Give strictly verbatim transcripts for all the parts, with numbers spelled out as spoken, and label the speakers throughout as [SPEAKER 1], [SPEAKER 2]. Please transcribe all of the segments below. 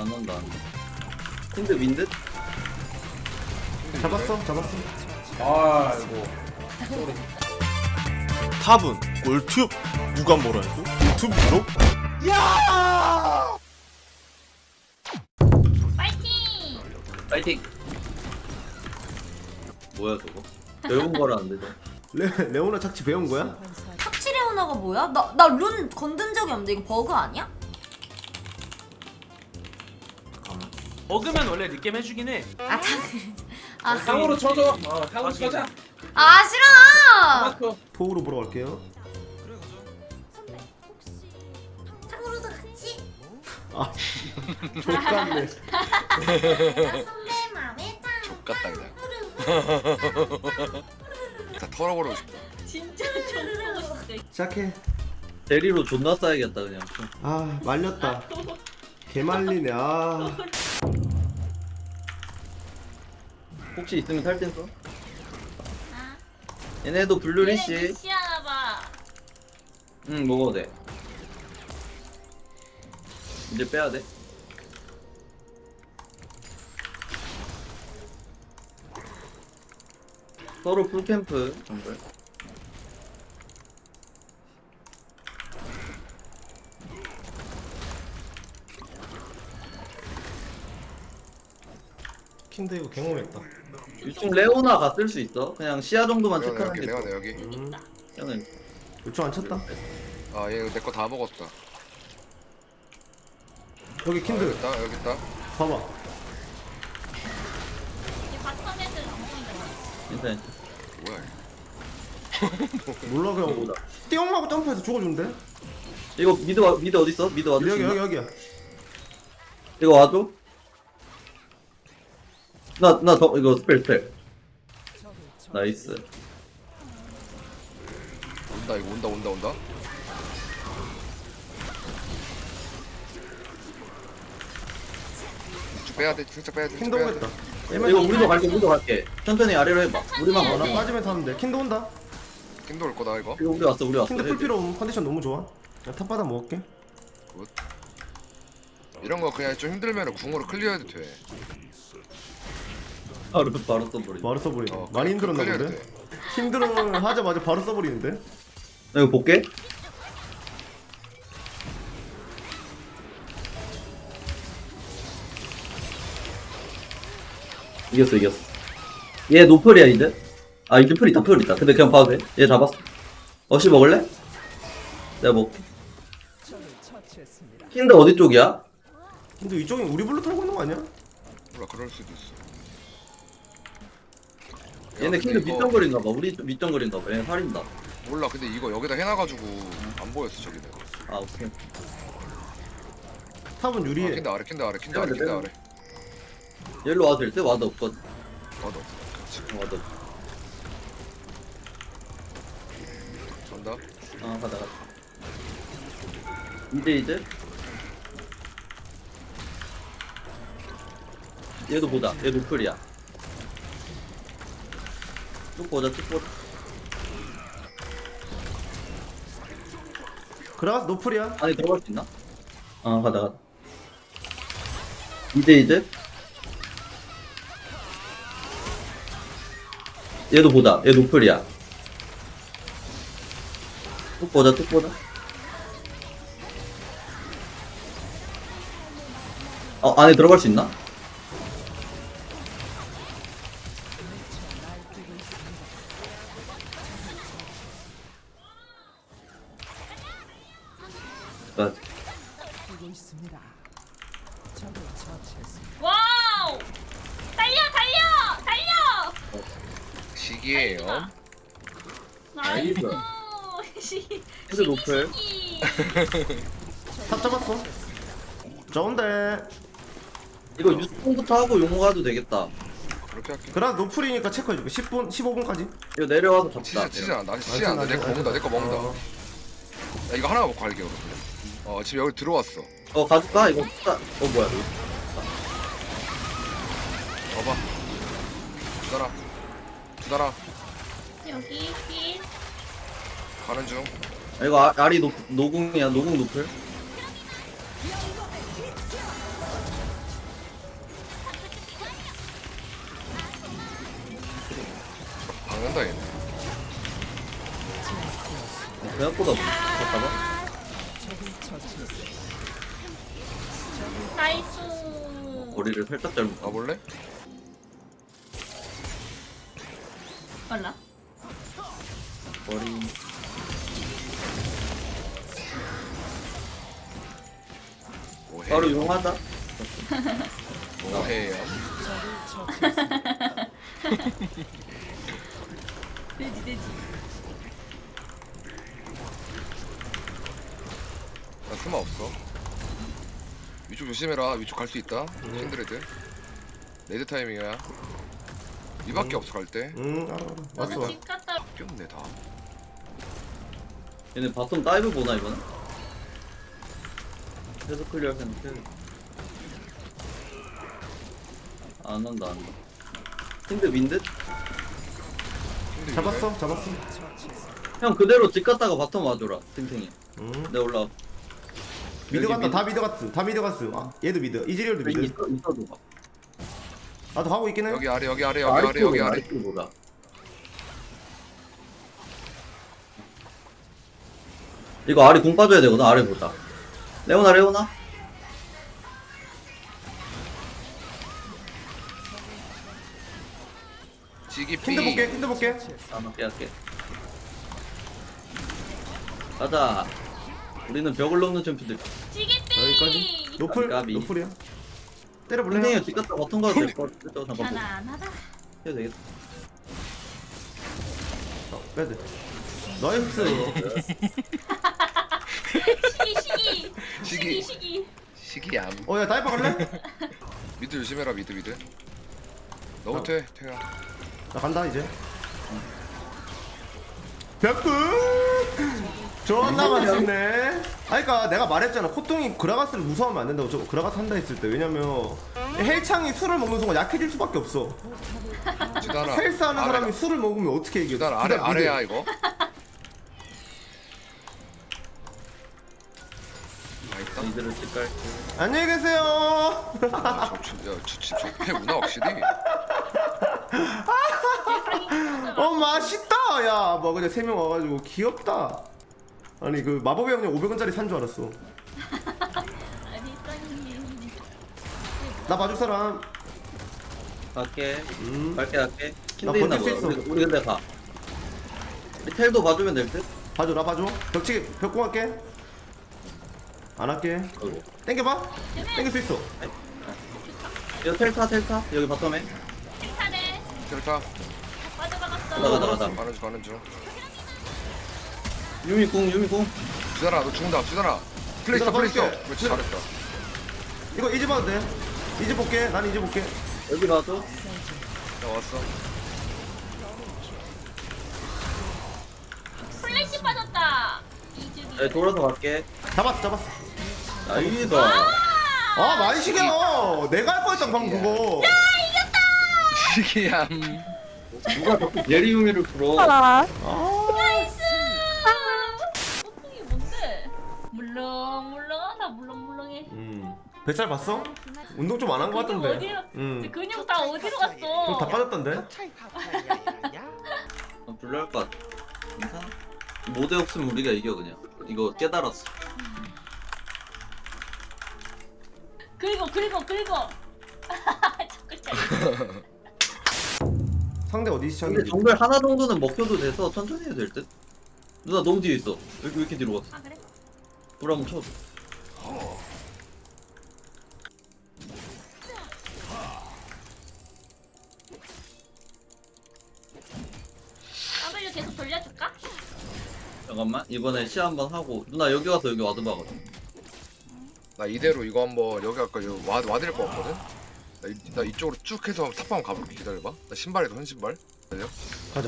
[SPEAKER 1] 안 온다. 근데 윈드?
[SPEAKER 2] 잡았어 잡았어.
[SPEAKER 3] 아이고. 쏘리.
[SPEAKER 4] 탑은 꿀팁 누가 뭐라 해도 유튜브로
[SPEAKER 5] 파이팅!
[SPEAKER 1] 파이팅! 뭐야 저거? 배운 거라는데 저.
[SPEAKER 2] 레 레오나 착취 배운 거야?
[SPEAKER 5] 탑치레오나가 뭐야? 나 나 룬 건든 적이 없는데 이거 버그 아니야?
[SPEAKER 6] 먹으면 원래 리게임 해주긴 해.
[SPEAKER 5] 아 탑. 아,
[SPEAKER 3] 탕으로 쳐줘. 어, 탕으로 쳐자.
[SPEAKER 5] 아 싫어.
[SPEAKER 3] 마크.
[SPEAKER 2] 포우로 보러 갈게요.
[SPEAKER 5] 탑으로도 같이.
[SPEAKER 2] 아 족같네.
[SPEAKER 5] 선배 맘에 탑.
[SPEAKER 7] 족같다 그냥. 다 털어버리고 싶다.
[SPEAKER 5] 진짜 좋고 싶다.
[SPEAKER 2] 시작해.
[SPEAKER 1] 대리로 존나 싸야겠다 그냥.
[SPEAKER 2] 아 말렸다. 개 말리네. 아
[SPEAKER 1] 혹시 있으면 탈땐 써? 얘네도 블루리시.
[SPEAKER 5] 시하나봐.
[SPEAKER 1] 응 먹어도 돼. 이제 빼야 돼. 서로 풀캠프 정글.
[SPEAKER 2] 킨드 이거 갱홈했다.
[SPEAKER 1] 유충 레오나가 쓸 수 있어. 그냥 시야 정도만
[SPEAKER 7] 내가
[SPEAKER 1] 체크하는
[SPEAKER 7] 여기
[SPEAKER 1] 게
[SPEAKER 7] 내가
[SPEAKER 1] 좋아.
[SPEAKER 7] 내 여기.
[SPEAKER 2] 음
[SPEAKER 1] 그냥
[SPEAKER 2] 요청 안 쳤다.
[SPEAKER 7] 아얘 내 거 다 먹었다.
[SPEAKER 2] 여기
[SPEAKER 7] 아,
[SPEAKER 2] 킨드
[SPEAKER 7] 여기 있다 여기 있다.
[SPEAKER 2] 봐봐.
[SPEAKER 5] 이 바텀 애들 안 보인다.
[SPEAKER 1] 괜찮아.
[SPEAKER 7] 뭐야?
[SPEAKER 2] 몰라 그냥
[SPEAKER 1] 보다.
[SPEAKER 2] 띠용하고 점프해서 죽어준대.
[SPEAKER 1] 이거 미드 와, 미드 어디 있어? 미드 와줘.
[SPEAKER 2] 여기 여기 여기야.
[SPEAKER 1] 이거 와줘. 나 나 더 이거 스펠 스펠. 나이스.
[SPEAKER 7] 온다 이거 온다 온다 온다. 쭉 빼야 돼. 진짜 빼야 돼.
[SPEAKER 2] 킨드
[SPEAKER 7] 진짜 빼야 돼.
[SPEAKER 2] 오겠다.
[SPEAKER 1] 이거 우리도 갈게 우리도 갈게. 천천히 아래로 해봐. 우리만
[SPEAKER 2] 어,
[SPEAKER 1] 가나?
[SPEAKER 2] 나 빠지면서 하면 돼. 킨드 온다.
[SPEAKER 7] 킨도 올 거다 이거.
[SPEAKER 1] 이거 우리 왔어 우리 왔어.
[SPEAKER 2] 킨드 풀 필요 없는 컨디션 너무 좋아. 야, 탑바닥 먹을게.
[SPEAKER 7] 이런 거 그냥 좀 힘들면 궁으로 클리어해도 돼.
[SPEAKER 1] 바로 바로 써버리.
[SPEAKER 2] 바로 써버리네.
[SPEAKER 7] 어,
[SPEAKER 2] 많이
[SPEAKER 7] 클-
[SPEAKER 2] 힘들었나
[SPEAKER 7] 클리어해도
[SPEAKER 2] 본데?
[SPEAKER 7] 돼.
[SPEAKER 2] 힘들어 하자마자 바로 써버리는데?
[SPEAKER 1] 나 이거 볼게. 이겼어 이겼어. 얘 노플이야 이제. 아 이게 풀 있다 풀 있다. 근데 그냥 봐도 돼. 얘 잡았어. 어시 먹을래? 내가 먹게. 킨드 어디 쪽이야?
[SPEAKER 2] 근데 이쪽이 우리 블루 털고 있는 거 아니야?
[SPEAKER 7] 몰라 그럴 수도 있어.
[SPEAKER 1] 얘네
[SPEAKER 7] 야,
[SPEAKER 1] 킨드
[SPEAKER 7] 근데 이거-
[SPEAKER 1] 밑정거리인가 봐. 우리 밑정거리인가 봐. 얘네 살인다.
[SPEAKER 7] 몰라 근데 이거 여기다 해놔가지고 안 보였어 저기는.
[SPEAKER 1] 아 오케이.
[SPEAKER 2] 탑은
[SPEAKER 7] 아,
[SPEAKER 2] 유리해.
[SPEAKER 7] 킨드 아래 킨드 아래 킨드 아래
[SPEAKER 1] 빼면 돼,
[SPEAKER 7] 킨드
[SPEAKER 1] 빼면
[SPEAKER 7] 아래.
[SPEAKER 1] 얘로 와도 될 때? 와도 없거든.
[SPEAKER 7] 맞아. 그렇지.
[SPEAKER 1] 와도 없어.
[SPEAKER 7] 전다.
[SPEAKER 1] 아 가다 가다. 이제 이제 얘도 보자. 얘 노플이야. 쭉 보자 쭉 보자.
[SPEAKER 2] 그라가스 노플이야.
[SPEAKER 1] 안에 들어갈 수 있나? 아 가다 가다. 이제 이제 얘도 보자. 얘 노플이야. 쭉 보자 쭉 보자. 어 안에 들어갈 수 있나? 나
[SPEAKER 5] 와우! 달려 달려 달려!
[SPEAKER 7] 시기예요.
[SPEAKER 5] 나이스.
[SPEAKER 1] 헤드 노플.
[SPEAKER 2] 탑 잡았어. 좋은데.
[SPEAKER 1] 이거 유통부터 하고 용 가도 되겠다.
[SPEAKER 7] 그렇게 할게.
[SPEAKER 2] 그라가스 노플이니까 체크해줄게. 십 분, 십오 분까지.
[SPEAKER 1] 이거 내려와서
[SPEAKER 7] 치지
[SPEAKER 1] 잡자.
[SPEAKER 7] 치지 않아. 나 치지 않아. 내거 먹는다. 내 거 먹는다.
[SPEAKER 2] 어.
[SPEAKER 7] 야, 이거 하나만 먹고 갈게 그럼. 어 지금 여기 들어왔어.
[SPEAKER 1] 어 가줄까? 이거 딱- 어 뭐야 이거.
[SPEAKER 7] 봐봐. 두달아. 두달아.
[SPEAKER 5] 여기 길.
[SPEAKER 7] 가는 중.
[SPEAKER 1] 아, 이거 아, 알이 노, 노궁이야 노궁 노플. 생각보다 못하다.
[SPEAKER 5] 나이스.
[SPEAKER 1] 거리를 살짝 잘못.
[SPEAKER 7] 가볼래?
[SPEAKER 5] 빨라.
[SPEAKER 1] 거리.
[SPEAKER 7] 오해
[SPEAKER 1] 바로 이용하자.
[SPEAKER 7] 오해요.
[SPEAKER 5] 돼지 돼지.
[SPEAKER 7] 나 스마 없어. 위쪽 조심해라. 위쪽 갈 수 있다. 신드레드. 레드 타이밍이야. 이밖에 없어 갈 때.
[SPEAKER 2] 응 알아 알아. 왔어
[SPEAKER 5] 너도
[SPEAKER 2] 왔어.
[SPEAKER 5] 집 갔다.
[SPEAKER 7] 꼈네 다.
[SPEAKER 1] 얘네 바텀 다이브 보나 이번에? 계속 클리어 생각해. 안 한다 안 한다. 근데 민듯?
[SPEAKER 7] 신드
[SPEAKER 2] 잡았어 잡았어.
[SPEAKER 1] 형 그대로 집 갔다가 바텀 와줘라 탱탱이.
[SPEAKER 2] 응.
[SPEAKER 1] 내가 올라.
[SPEAKER 2] 미드
[SPEAKER 1] 여기
[SPEAKER 2] 갔다 다 미드 갔어 다 미드 갔어. 아 얘도 미드 이즈리얼도 미드.
[SPEAKER 1] 있어 있어도 봐.
[SPEAKER 2] 나도 가고 있긴 해.
[SPEAKER 7] 여기 아래 여기 아래 여기 아래 여기 아래.
[SPEAKER 1] 보자. 이거 아리 공 빠져야 되거든. 아래 보자. 레오나 레오나.
[SPEAKER 7] 지기 피.
[SPEAKER 2] 힌드 볼게 힌드 볼게.
[SPEAKER 1] 아 맞게 할게. 가자. 우리는 벽을 넘는 챔피들.
[SPEAKER 5] 찌개삐.
[SPEAKER 2] 여기까지. 노플
[SPEAKER 1] 까비.
[SPEAKER 2] 노플이야. 때려볼래?
[SPEAKER 1] 탱탱이 집 갔다 바텀 가도 될것 같아. 잠깐 보자.
[SPEAKER 5] 편안하다.
[SPEAKER 1] 해도 되겠다.
[SPEAKER 2] 어, 빼드. 나이스.
[SPEAKER 5] 시기 시기.
[SPEAKER 7] 시기.
[SPEAKER 5] 시기.
[SPEAKER 7] 시기얌.
[SPEAKER 2] 어야 다이브 갈래?
[SPEAKER 7] 미드 조심해라 미드 미드. 너부터 해 태야.
[SPEAKER 2] 나 간다 이제. 벽구. 존나 맛있네. 아니 그니까 내가 말했잖아. 코뚱이 그라가스를 무서워하면 안 된다고. 저 그라가스 한다 했을 때. 왜냐면 헬창이 술을 먹는 순간 약해질 수밖에 없어.
[SPEAKER 7] 지단아.
[SPEAKER 2] 헬스하는
[SPEAKER 7] 아래다.
[SPEAKER 2] 사람이 술을 먹으면 어떻게 이겨?
[SPEAKER 7] 지단 아래
[SPEAKER 2] 그다음
[SPEAKER 7] 아래야
[SPEAKER 2] 미드.
[SPEAKER 7] 이거. 맛있다.
[SPEAKER 1] 이들을 집 갈게.
[SPEAKER 2] 안녕히 계세요.
[SPEAKER 7] 저저저패 문화 확실히.
[SPEAKER 2] 어 맛있다. 야 뭐 그냥 세 명 와가지고 귀엽다. 아니 그 마법의 형님 오백 원짜리 산 줄 알았어.
[SPEAKER 5] 아니 쌍님.
[SPEAKER 2] 나 봐줄 사람.
[SPEAKER 1] 갈게.
[SPEAKER 2] 음.
[SPEAKER 1] 갈게 갈게.
[SPEAKER 2] 나
[SPEAKER 1] 킨드 있나
[SPEAKER 2] 버틸 수
[SPEAKER 1] 보다.
[SPEAKER 2] 있어.
[SPEAKER 1] 우리, 우리 근데 가. 우리 텔도 봐주면 될 듯?
[SPEAKER 2] 봐줘 나 봐줘. 벽치 벽공 할게. 안 할게.
[SPEAKER 1] 어이구.
[SPEAKER 2] 땡겨봐. 땡길 수 있어.
[SPEAKER 1] 이거 텔타 텔타 여기 바텀에.
[SPEAKER 5] 칭찬해.
[SPEAKER 7] 델타.
[SPEAKER 5] 빠져나갔어.
[SPEAKER 1] 가자 가자 가자.
[SPEAKER 7] 가는 중 가는 중.
[SPEAKER 1] 유미궁 유미궁.
[SPEAKER 7] 주단아 너 죽는다 주단아. 플레이스
[SPEAKER 2] 주단아,
[SPEAKER 7] 플레이스.
[SPEAKER 2] 빠질게.
[SPEAKER 7] 그렇지 잘했다.
[SPEAKER 2] 이거 이제 봐도 돼. 이제 볼게. 난 이제 볼게.
[SPEAKER 1] 여기 봐줘.
[SPEAKER 7] 나 왔어.
[SPEAKER 5] 플래시 빠졌다. 이즈리.
[SPEAKER 1] 네, 돌아서 갈게.
[SPEAKER 2] 잡았어 잡았어.
[SPEAKER 1] 나이스.
[SPEAKER 2] 아 만식이야. 내가 할 뻔했다 방금 그거.
[SPEAKER 7] 시기얌.
[SPEAKER 1] 누가 자꾸 예리유미를 풀어.
[SPEAKER 2] 아.
[SPEAKER 5] 나이스. 소풍이 뭔데? 물렁물렁하다 물렁물렁해.
[SPEAKER 2] 음. 뱃살 봤어? 운동 좀 안 한 거 같던데.
[SPEAKER 5] 어디로?
[SPEAKER 2] 음.
[SPEAKER 5] 근육 다 어디로 갔어?
[SPEAKER 2] 그럼 다 빠졌던데.
[SPEAKER 1] 어, 불러할 것 같아. 괜찮아? 모대 없으면 우리가 이겨 그냥. 이거 깨달았어.
[SPEAKER 5] 긁어 긁어 긁어. 자꾸 잘.
[SPEAKER 2] 상대 어디
[SPEAKER 1] 근데
[SPEAKER 2] 시청인지.
[SPEAKER 1] 정글 하나 정도는 먹혀도 돼서 천천히 해도 될 듯? 누나 너무 뒤에 있어. 왜, 왜 이렇게 뒤로 갔어?
[SPEAKER 5] 아 그래?
[SPEAKER 1] 불 한번 쳐줘.
[SPEAKER 5] W 계속 돌려줄까?
[SPEAKER 1] 잠깐만 이번에 시 한번 하고 누나 여기 와서 여기 와드 봐거든.
[SPEAKER 7] 나 이대로 이거 한번 여기 아까 이거 와 와드릴 거 없거든. 나, 이, 나 이쪽으로 쭉 해서 탑방 가볼게. 기다려봐. 나 신발에도 한 신발. 기다려.
[SPEAKER 2] 가자.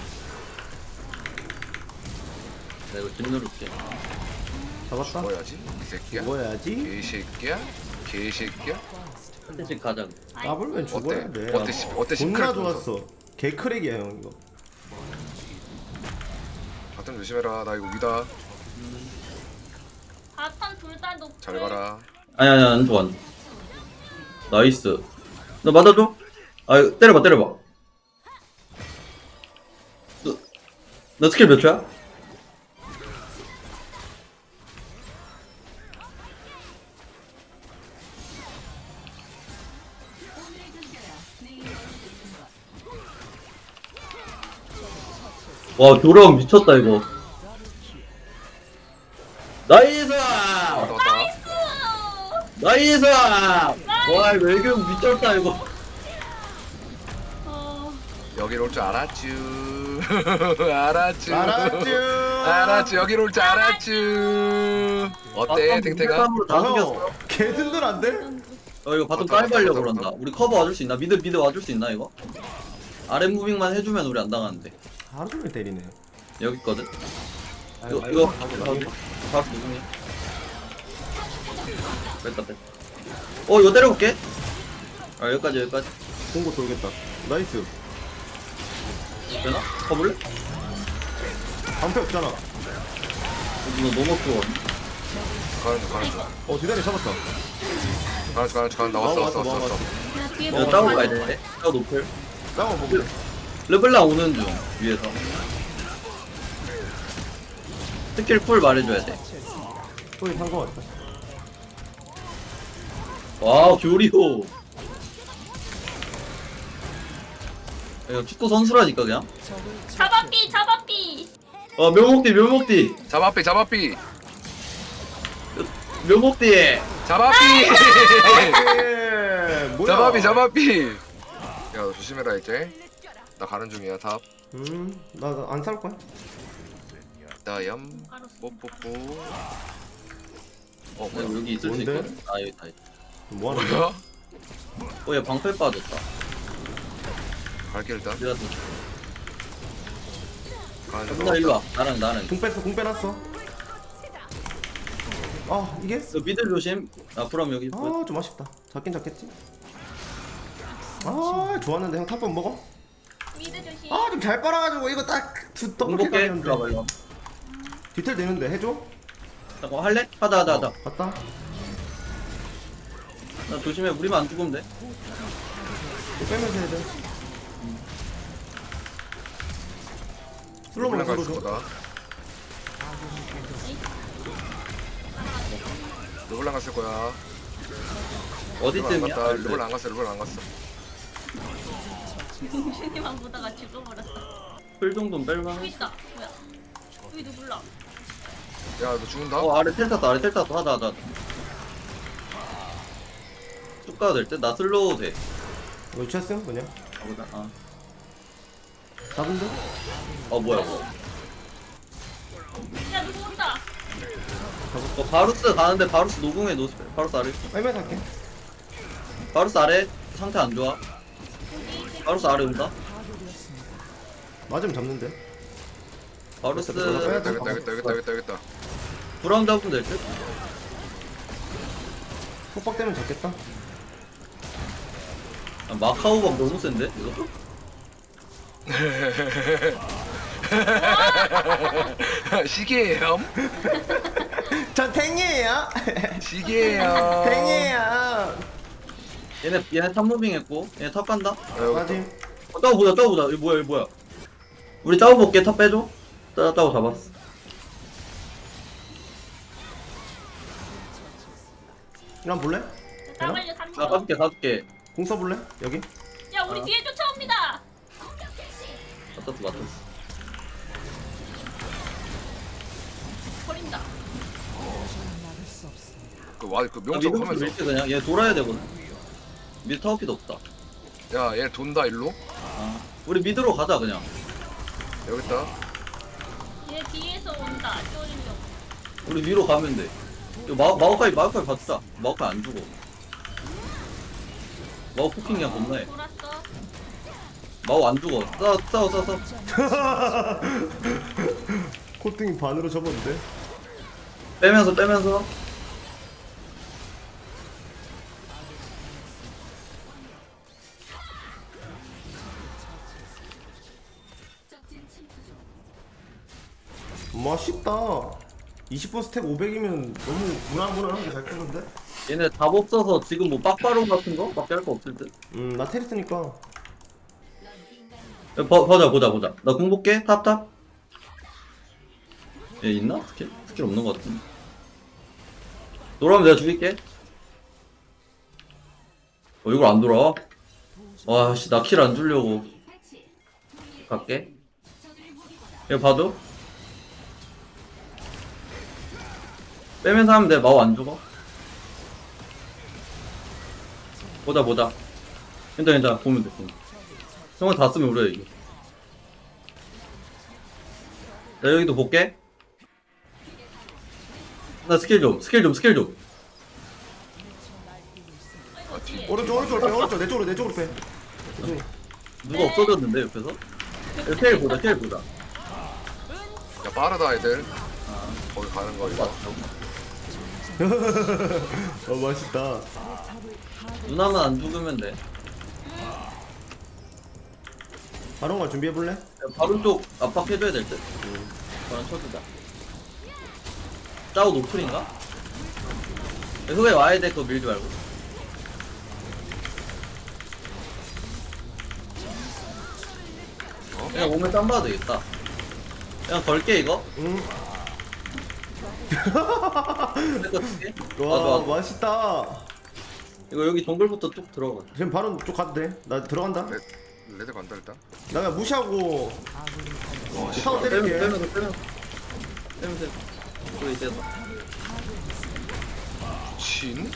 [SPEAKER 1] 나 이거 집 누를게.
[SPEAKER 2] 잡았다.
[SPEAKER 7] 뭐야지? 이 새끼야.
[SPEAKER 2] 죽어야지.
[SPEAKER 7] 개새끼야. 개새끼야.
[SPEAKER 1] 한 대씩 가자.
[SPEAKER 2] 까불면 죽어야
[SPEAKER 7] 어때?
[SPEAKER 2] 돼.
[SPEAKER 7] 어때? 시- 어때?
[SPEAKER 2] 존나
[SPEAKER 7] 시크릿
[SPEAKER 2] 좋았어. 개크랙이야 형 이거.
[SPEAKER 7] 바텀 조심해라. 나 이거 위다.
[SPEAKER 5] 바텀 둘다 높고.
[SPEAKER 7] 잘 가라.
[SPEAKER 1] 아니 아니 안 좋아. 안 좋아. 나이스. 너 맞아줘? 아 이거 때려봐 때려봐. 너, 너 스킬 몇 초야? 와 교령 미쳤다 이거. 나이스!
[SPEAKER 7] 왔다 왔다.
[SPEAKER 1] 나이스! 와 외교육 미쳤다 이거.
[SPEAKER 5] 어,
[SPEAKER 7] 여기로 올 줄 알았쥬. 알았쥬.
[SPEAKER 2] 알았쥬.
[SPEAKER 7] 알았쥬. 여기로 올 줄 알았쥬. 어때 탱탱아?
[SPEAKER 1] 으로다 죽였어.
[SPEAKER 2] 형, 개 든든한데?
[SPEAKER 1] 어 이거 바텀
[SPEAKER 7] 왔다,
[SPEAKER 1] 다이브 하려고
[SPEAKER 7] 왔다,
[SPEAKER 1] 그런다.
[SPEAKER 7] 왔다.
[SPEAKER 1] 우리 커버 와줄 수 있나? 미드 미드 와줄 수 있나 이거? 아래 무빙만 해주면 우리 안 당하는데.
[SPEAKER 2] 하루 종일 때리네.
[SPEAKER 1] 여기 있거든. 이거 이거 바로 누구니? 뺐다 뺐다. 어 이거 때려볼게. 아 여기까지 여기까지.
[SPEAKER 2] 공고 돌겠다. 나이스.
[SPEAKER 1] 되나? 가볼래?
[SPEAKER 2] 방패 없잖아.
[SPEAKER 1] 어, 이거 너무 좋아.
[SPEAKER 7] 가는 중 가는 중.
[SPEAKER 2] 어, 뒤다리 잡았다.
[SPEAKER 7] 가는 중 가는 중 가는 중. 나 왔어 왔어 왔어 왔어.
[SPEAKER 5] 야, 뒤에
[SPEAKER 1] 이거
[SPEAKER 5] 뭐
[SPEAKER 1] 따고 가야 돼. 따고 높을.
[SPEAKER 2] 싸워 보고.
[SPEAKER 1] 르블랑 오는 중 위에서. 스킬 풀 말해줘야 돼.
[SPEAKER 2] 소리 산거 같다.
[SPEAKER 1] 와 교리호. 이거 축구 선수라니까 그냥.
[SPEAKER 5] 잡아삐 잡아삐.
[SPEAKER 1] 아 묘목띠 묘목띠
[SPEAKER 7] 잡아삐 잡아삐
[SPEAKER 1] 묘목띠.
[SPEAKER 7] 잡아삐.
[SPEAKER 2] 예, 뭐야?
[SPEAKER 7] 잡아삐 잡아삐. 야 너 조심해라 이제. 나 가는 중이야 탑.
[SPEAKER 2] 음, 나 안 살 거야.
[SPEAKER 7] 나염 뽀뽀뽀. 어
[SPEAKER 1] 어,
[SPEAKER 7] 뭐야?
[SPEAKER 1] 여기 있을
[SPEAKER 2] 뭔데?
[SPEAKER 1] 수 있거든. 아 여기 다 있다.
[SPEAKER 2] 뭐 하는 거야?
[SPEAKER 7] 뭐야?
[SPEAKER 1] 어얘 방패 빠졌다.
[SPEAKER 7] 갈게 일단.
[SPEAKER 1] 내가 또.
[SPEAKER 7] 가는 중.
[SPEAKER 1] 나 일로 와. 나랑 나랑.
[SPEAKER 2] 공 뺐어, 공 빼놨어. 아, 이게?
[SPEAKER 1] 너 미들 조심. 아 그럼 여기.
[SPEAKER 2] 아, 좀 아쉽다. 잡긴 잡겠지? 아, 좋았는데 형 탑번 먹어?
[SPEAKER 5] 미드 조심.
[SPEAKER 2] 아, 좀 잘 빨아가지고 이거 딱 두 더블
[SPEAKER 1] 공복해.
[SPEAKER 2] 킬각이었는데.
[SPEAKER 1] 들어가 이거.
[SPEAKER 2] 디테일 되는데 해줘?
[SPEAKER 1] 잠깐 할래? 하다 하다 하다.
[SPEAKER 2] 어, 갔다.
[SPEAKER 1] 나 조심해. 우리만 안 죽으면 돼.
[SPEAKER 2] 이거 빼면서 해야 돼. 슬로우
[SPEAKER 7] 르블랑
[SPEAKER 2] 슬로우
[SPEAKER 7] 갔을
[SPEAKER 2] 줘.
[SPEAKER 7] 거다. 르블랑 갔을 거야. 르블랑 안
[SPEAKER 1] 어디쯤이야?
[SPEAKER 7] 갔다. 르블랑 안 갔어. 르블랑 안 갔어.
[SPEAKER 5] 공신이만 보다가 죽어버렸어.
[SPEAKER 1] 풀 정도는 뺄만.
[SPEAKER 5] 여기 있다. 뭐야? 여기 누굴라?
[SPEAKER 7] 야 너 죽는다?
[SPEAKER 1] 어 아래 텔 탔다. 아래 텔 탔다. 하다 하다. 쭉 가도 될 듯? 나 슬로우 돼.
[SPEAKER 2] 이거 취했음? 그냥?
[SPEAKER 1] 가보자. 아.
[SPEAKER 2] 잡은 데?
[SPEAKER 1] 어 뭐야?
[SPEAKER 5] 야 누구 온다.
[SPEAKER 1] 어 바루스 가는데 바루스 노궁에 노스. 바루스 아래.
[SPEAKER 2] 빨리 갈게.
[SPEAKER 1] 바루스 아래 상태 안 좋아. 바루스 아래 온다.
[SPEAKER 2] 맞으면 잡는데.
[SPEAKER 1] 바루스
[SPEAKER 2] 빼야 돼.
[SPEAKER 7] 여기다 여기다 여기다 여기다 여기다 여기다.
[SPEAKER 1] 브라운 잡으면 될 듯?
[SPEAKER 2] 속박 되면 잡겠다.
[SPEAKER 1] 아, 마카오가 너무 센데 이거?
[SPEAKER 7] 시계예요.
[SPEAKER 2] 전 탱이에요.
[SPEAKER 7] 시계예요.
[SPEAKER 2] 탱이에요.
[SPEAKER 1] 얘네 얘네 탑 무빙 했고 얘네 탑 간다.
[SPEAKER 2] 맞지?
[SPEAKER 1] 어, 따고 보자 따고 보자. 이거 뭐야 이거 뭐야? 우리 따고 볼게. 탑 빼줘. 따 따고 잡았어.
[SPEAKER 2] 이거 한번 볼래?
[SPEAKER 5] 땀 흘려 삼
[SPEAKER 1] 나 가줄게 가줄게.
[SPEAKER 2] 공 써볼래? 여기?
[SPEAKER 5] 야 우리
[SPEAKER 1] 어.
[SPEAKER 5] 뒤에 쫓아옵니다.
[SPEAKER 1] 맞았어 맞았어.
[SPEAKER 5] 버린다.
[SPEAKER 7] 그와그
[SPEAKER 1] 야,
[SPEAKER 7] 명적
[SPEAKER 1] 미드
[SPEAKER 7] 하면서.
[SPEAKER 1] 밀게 그냥. 얘 돌아야 되거든. 미드 타워피도 없다.
[SPEAKER 7] 야얘 돈다 일로.
[SPEAKER 1] 아 우리 미드로 가자 그냥.
[SPEAKER 7] 여기 있다.
[SPEAKER 5] 얘 뒤에서 온다. 쫄리려고.
[SPEAKER 1] 우리 위로 가면 돼. 이거 마 마오카이 마오카이 받자. 마오카이 안 죽어. 마오 포킹 그냥 겁나해.
[SPEAKER 5] 돌았어.
[SPEAKER 1] 마오 안 죽어. 싸워 싸워 싸워 싸워.
[SPEAKER 2] 코팅이 반으로 접었는데?
[SPEAKER 1] 빼면서 빼면서.
[SPEAKER 2] 맛있다. 이십 분 스택 오백이면 너무 무난무난하게 잘 끄는데?
[SPEAKER 1] 얘네 답 없어서 지금 뭐 빡바론 같은 거? 밖에 할 거 없을 듯.
[SPEAKER 2] 음, 나 테리스니까.
[SPEAKER 1] 야, 보, 보자 보자 보자. 나 공볼게. 탑 탑. 얘 있나? 스킬? 스킬 없는 거 같은데. 돌아오면 내가 죽일게. 어 이걸 안 돌아와? 와씨 나 킬 안 주려고. 갈게. 얘 봐줘. 빼면서 하면 돼. 마우 안 죽어. 보자 보자. 괜찮아 괜찮아. 보면 돼. 보면. 형은 다 쓰면 우리가 이겨. 나 여기도 볼게. 나 스킬 좀 스킬 좀 스킬 좀.
[SPEAKER 7] 아, 뒤.
[SPEAKER 2] 오른쪽 오른쪽 빼 오른쪽 내 쪽으로 내 쪽으로 빼.
[SPEAKER 1] 누가 없어졌는데 옆에서? 여기 텔 보자 텔 보자.
[SPEAKER 7] 야 빠르다 애들. 거기 가는 거 이거.
[SPEAKER 2] 어 맛있다.
[SPEAKER 1] 누나만 안 죽으면 돼.
[SPEAKER 2] 바론가 준비해 볼래?
[SPEAKER 1] 바로 쪽 압박해줘야 될 듯. 바로 쳐주자. 짜오 노플인가? 후에 와야 돼. 그거 밀지 말고. 그냥 오면 땀 봐도 되겠다. 그냥 걸게 이거.
[SPEAKER 2] 응.
[SPEAKER 1] 내거 줄게.
[SPEAKER 2] 와
[SPEAKER 1] 맞아 맞아.
[SPEAKER 2] 맛있다.
[SPEAKER 1] 이거 여기 정글부터 쭉 들어가.
[SPEAKER 2] 지금 바론 쪽 가도 돼. 나 들어간다.
[SPEAKER 7] 레, 레드 간다 일단.
[SPEAKER 2] 나 그냥 무시하고
[SPEAKER 7] 와 씨.
[SPEAKER 2] 타워
[SPEAKER 1] 빼면서
[SPEAKER 2] 때릴게.
[SPEAKER 1] 빼면서 빼면서. 빼면서. 그래 이제
[SPEAKER 7] 신?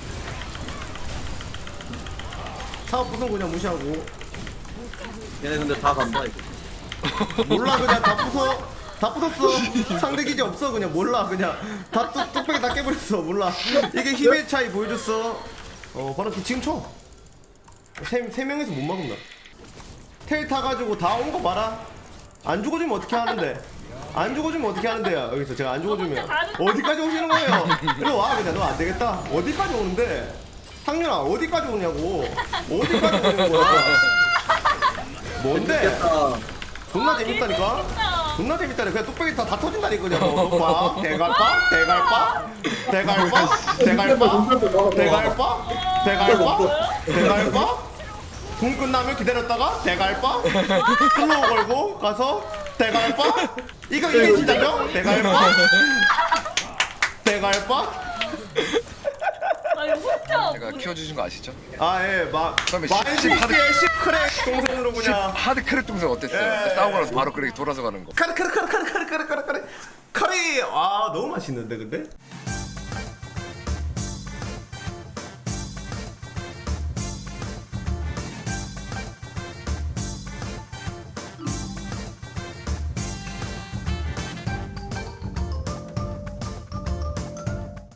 [SPEAKER 2] 타워 부순 그냥 무시하고.
[SPEAKER 1] 얘네 근데 다 간다 이거.
[SPEAKER 2] 몰라 그냥 다 부숴. 다 부쉈어. 상대 기지 없어 그냥 몰라 그냥 다 뚝- 뚝배기 다 깨버렸어 몰라. 이게 힘의 차이 보여줬어. 어 바로 지금 쳐. 세, 세 명에서 못 막는다. 텔 타가지고 다 온 거 봐라. 안 죽어주면 어떻게 하는데? 안 죽어주면 어떻게 하는데요? 여기서 제가 안 죽어주면 어디까지 오시는 거예요? 이리 와 그냥 너 안 되겠다. 어디까지 오는데? 상윤아 어디까지 오냐고. 어디까지 오는 거야? 뭔데?
[SPEAKER 1] 됐다.
[SPEAKER 2] 존나 재밌다니까? 존나 재밌다니까. 그냥 뚝배기 다, 다 터진다니까 그냥 뭐. 빡 대갈빡 대갈빡 대갈빡 대갈빡 대갈빡 대갈빡 대갈빡 궁 끝나면 기다렸다가 대갈빡 슬로우 걸고 가서 대갈빡 이거 이게 진짜죠? 대갈빡 대갈빡
[SPEAKER 5] 아 이거 혼자
[SPEAKER 7] 제가 키워주신 거 아시죠?
[SPEAKER 2] 아예막
[SPEAKER 7] 그다음에 십- 십
[SPEAKER 2] 마이시티의 시크랙 동선으로 그냥
[SPEAKER 7] 하드 크랙 동생 어땠어요?
[SPEAKER 2] 예.
[SPEAKER 7] 싸우고 나서 바로 그렇게 돌아서 가는 거.
[SPEAKER 2] 카르 카르 카르 카르 카르 카르 카르 카르 카리 아 너무 맛있는데 근데